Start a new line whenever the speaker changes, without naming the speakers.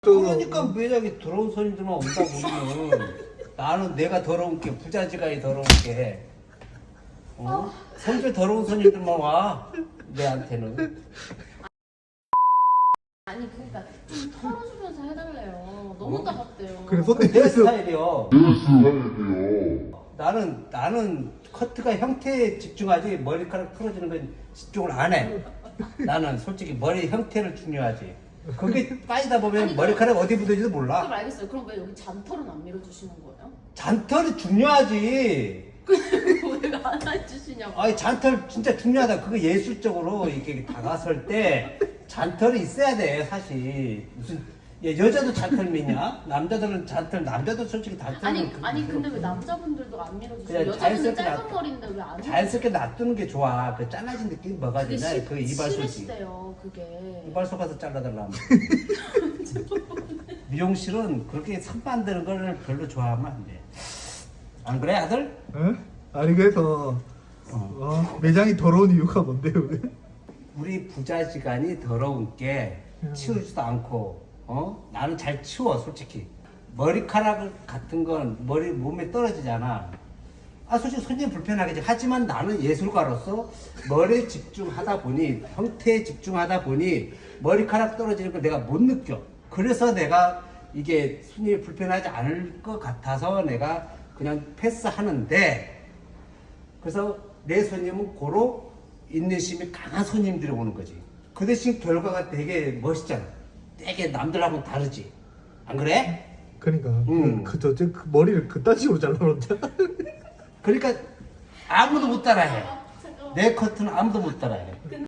그러니까 매장에 더러운 손님들만 온다 보면 나는 내가 더러운 게 부자지간이 더러운 게 성질 더러운 손님들만 와 내한테는.
아니 그러니까 좀 털어주면서 해달래요. 너무 따갑대요.
그래
내
손님께서
스타일이요. 나는 커트가 형태에 집중하지 머리카락 풀어주는 건 집중을 안 해. 나는 솔직히 머리 형태를 중요하지. 그게 빠지다 보면
아니,
머리카락 어디 묻어지도
그럼
몰라.
알겠어요. 그럼 왜 여기 잔털은 안 밀어주시는 거예요?
잔털이 중요하지.
왜 안 해주시냐고.
아니 잔털 진짜 중요하다. 그거 예술적으로 이렇게 다가설 때 잔털이 있어야 돼. 사실 무슨 여자도 잔털 미냐? 남자들은 잔털, 남자도 솔직히 잔털.
아니 근데 왜 남자분들도 안 밀어주세요?
그냥
여자분은
자연스럽게
짧은
놔둬.
머리인데 왜 안?
자연스럽게 놔두는 게 좋아. 그 잘라진 느낌이 뭐가
그게
되냐? 그 이발소지.
싫으시대요 그게.
이발소 가서 잘라달라면. 미용실은 그렇게 선 만드는 걸 별로 좋아하면 안 돼. 안 그래 아들?
에? 아니 그래서 매장이 더러운 이유가 뭔데요?
우리 부자지간이 더러운 게 치우지도 않고 나는 잘 치워 솔직히. 머리카락 같은 건 머리 몸에 떨어지잖아. 솔직히 손님 불편하겠지. 하지만 나는 예술가로서 머리에 집중하다 보니, 형태에 집중하다 보니 머리카락 떨어지는 걸 내가 못 느껴. 그래서 내가 이게 손님이 불편하지 않을 것 같아서 내가 그냥 패스하는데, 그래서 내 손님은 고로 인내심이 강한 손님들이 오는 거지. 그 대신 결과가 되게 멋있잖아. 되게 남들하고는 다르지. 안 그래?
그러니까
음.
그 머리를 그딴 식으로 잘라놓자.
그러니까 아무도 못 따라해. 내 커트는 아무도 못 따라해.